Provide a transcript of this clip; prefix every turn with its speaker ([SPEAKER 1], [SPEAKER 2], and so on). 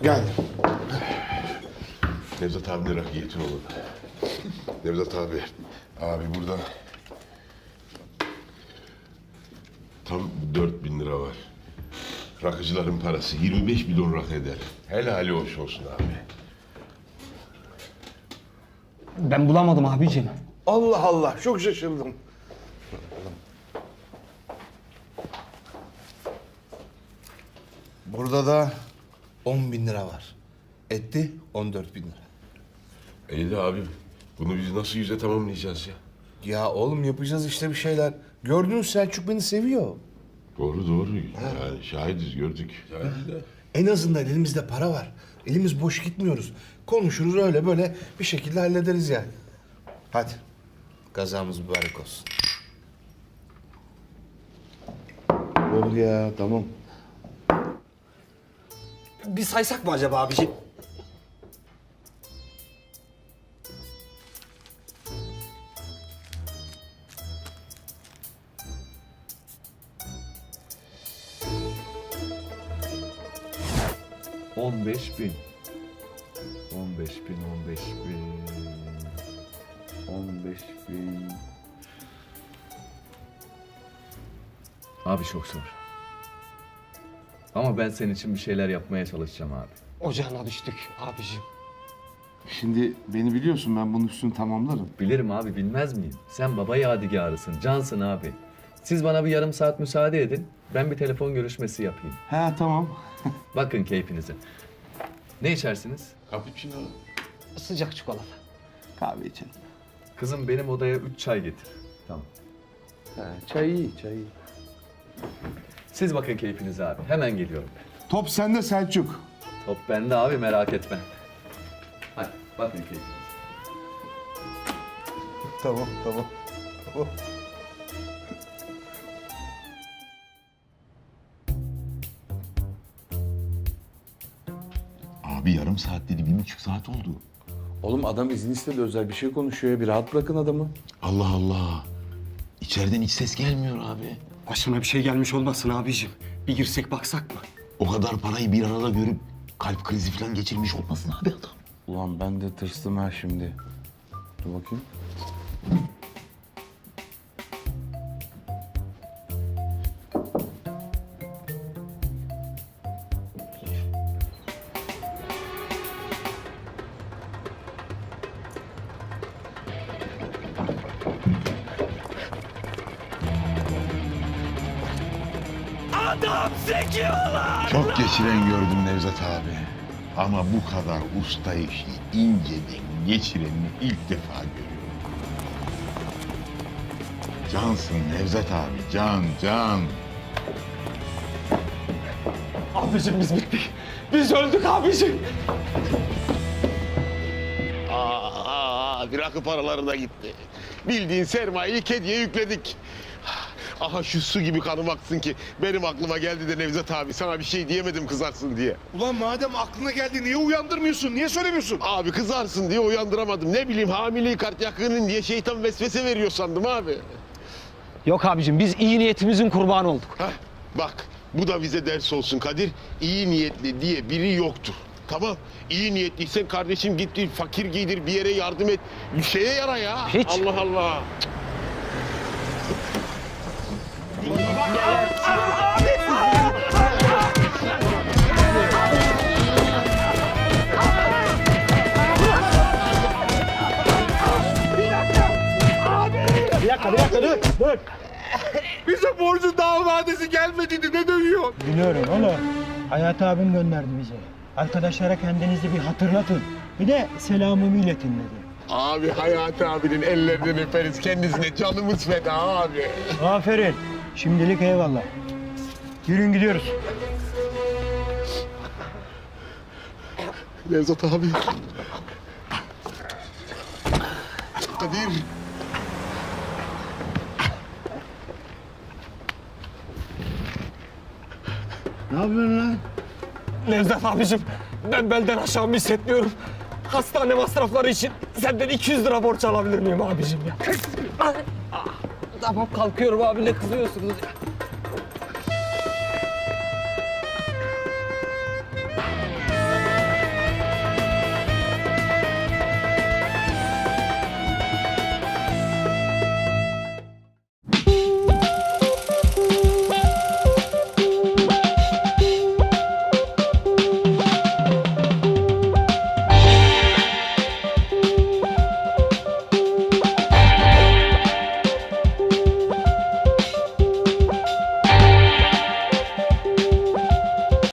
[SPEAKER 1] Geldim.
[SPEAKER 2] Nevzat abine rakı getir oğlum. Nevzat abi. Abi burada tam 4.000 lira var. Rakıcıların parası 25 milyon rakı eder. Helali hoş olsun abi.
[SPEAKER 3] Ben bulamadım abicim.
[SPEAKER 1] Allah Allah, çok şaşırdım. Burada da 10.000 lira var. Etti 14.000 lira.
[SPEAKER 2] İyi de abim, bunu biz nasıl yüze tamamlayacağız ya?
[SPEAKER 1] Ya oğlum yapacağız işte bir şeyler. Gördünüz Selçuk beni seviyor.
[SPEAKER 2] Doğru doğru. Yani şahidiz, gördük. Şahidiz de.
[SPEAKER 1] En azından elimizde para var. Elimiz boş gitmiyoruz. Konuşuruz öyle böyle bir şekilde hallederiz yani. Hadi. Kazamız mübarek olsun. Olur ya, tamam.
[SPEAKER 3] Bir saysak mı acaba abicim?
[SPEAKER 4] On beş bin. 15.000. Abi çok zor. Ama ben senin için bir şeyler yapmaya çalışacağım abi.
[SPEAKER 3] Ocağına düştük abicim.
[SPEAKER 1] Şimdi beni biliyorsun, ben bunun üstünü tamamlarım.
[SPEAKER 4] Bilirim abi, bilmez miyim? Sen baba yadigarısın, cansın abi. Siz bana bir yarım saat müsaade edin. Ben bir telefon görüşmesi yapayım.
[SPEAKER 1] He tamam.
[SPEAKER 4] Bakın keyfinize. Ne içersiniz?
[SPEAKER 2] Cappuccino.
[SPEAKER 3] Sıcak çikolata.
[SPEAKER 1] Kahve içelim.
[SPEAKER 4] Kızım benim odaya 3 çay getir. Tamam.
[SPEAKER 1] Çay iyi, çay iyi.
[SPEAKER 4] Siz bakın keyfinize abi. Hemen geliyorum ben.
[SPEAKER 1] Top sende Selçuk.
[SPEAKER 4] Top bende abi, merak etme. Hadi bakın keyfinize.
[SPEAKER 1] Tamam.
[SPEAKER 2] Abi yarım saat dedi, 1,5 saat oldu.
[SPEAKER 1] Oğlum adam izin istedi, özel bir şey konuşuyor. Bir rahat bırakın adamı.
[SPEAKER 2] Allah Allah. İçeriden hiç ses gelmiyor abi.
[SPEAKER 3] Başına bir şey gelmiş olmasın abicim. Bir girsek baksak mı?
[SPEAKER 2] O kadar parayı bir arada görüp kalp krizi falan geçirmiş olmasın abi adam.
[SPEAKER 1] Ulan ben de tırstım ha şimdi. Dur bakayım.
[SPEAKER 2] Çok geçiren gördüm Nevzat abi. Ama bu kadar usta işi inceden geçirenini ilk defa görüyorum. Cansın Nevzat abi, can.
[SPEAKER 3] Abicim biz bittik. Biz öldük abicim.
[SPEAKER 2] Bir rakı paraları da gitti. Bildiğin sermayeyi kediye yükledik. Aha şu su gibi kanım aksın ki benim aklıma geldi de Nevzat abi sana bir şey diyemedim kızarsın diye.
[SPEAKER 1] Ulan madem aklına geldi niye uyandırmıyorsun? Niye söylemiyorsun?
[SPEAKER 2] Abi kızarsın diye uyandıramadım. Ne bileyim hamileyi kart yakının diye şeytan vesvese veriyor sandım abi.
[SPEAKER 3] Yok abicim biz iyi niyetimizin kurbanı olduk.
[SPEAKER 2] Heh, bak bu da bize ders olsun Kadir. İyi niyetli diye biri yoktur. Tamam. İyi niyetliysen kardeşim git fakir giydir, bir yere yardım et. Bir şeye yara ya.
[SPEAKER 3] Hiç.
[SPEAKER 2] Allah Allah.
[SPEAKER 3] Dur.
[SPEAKER 1] Bize borcun daha vadesi gelmedi ne dövüyor?
[SPEAKER 5] Biliyorum oğlum. Hayat abim gönderdi bizi. Arkadaşlara kendinizi bir hatırlatın. Bir de selamımı iletin dedi.
[SPEAKER 2] Abi Hayati abinin ellerinden öperiz. Kendisine canımız feda abi.
[SPEAKER 5] Aferin. Şimdilik eyvallah. Yürüyün gidiyoruz.
[SPEAKER 2] Nevzat abi. Kadir.
[SPEAKER 5] Ne yapıyorsun lan?
[SPEAKER 3] Nevzat abicim ben belden aşağımı hissetmiyorum. Hastane masrafları için senden 200 lira borç alabilir miyim abicim ya? Tamam kalkıyorum abi, ne kızıyorsunuz ya?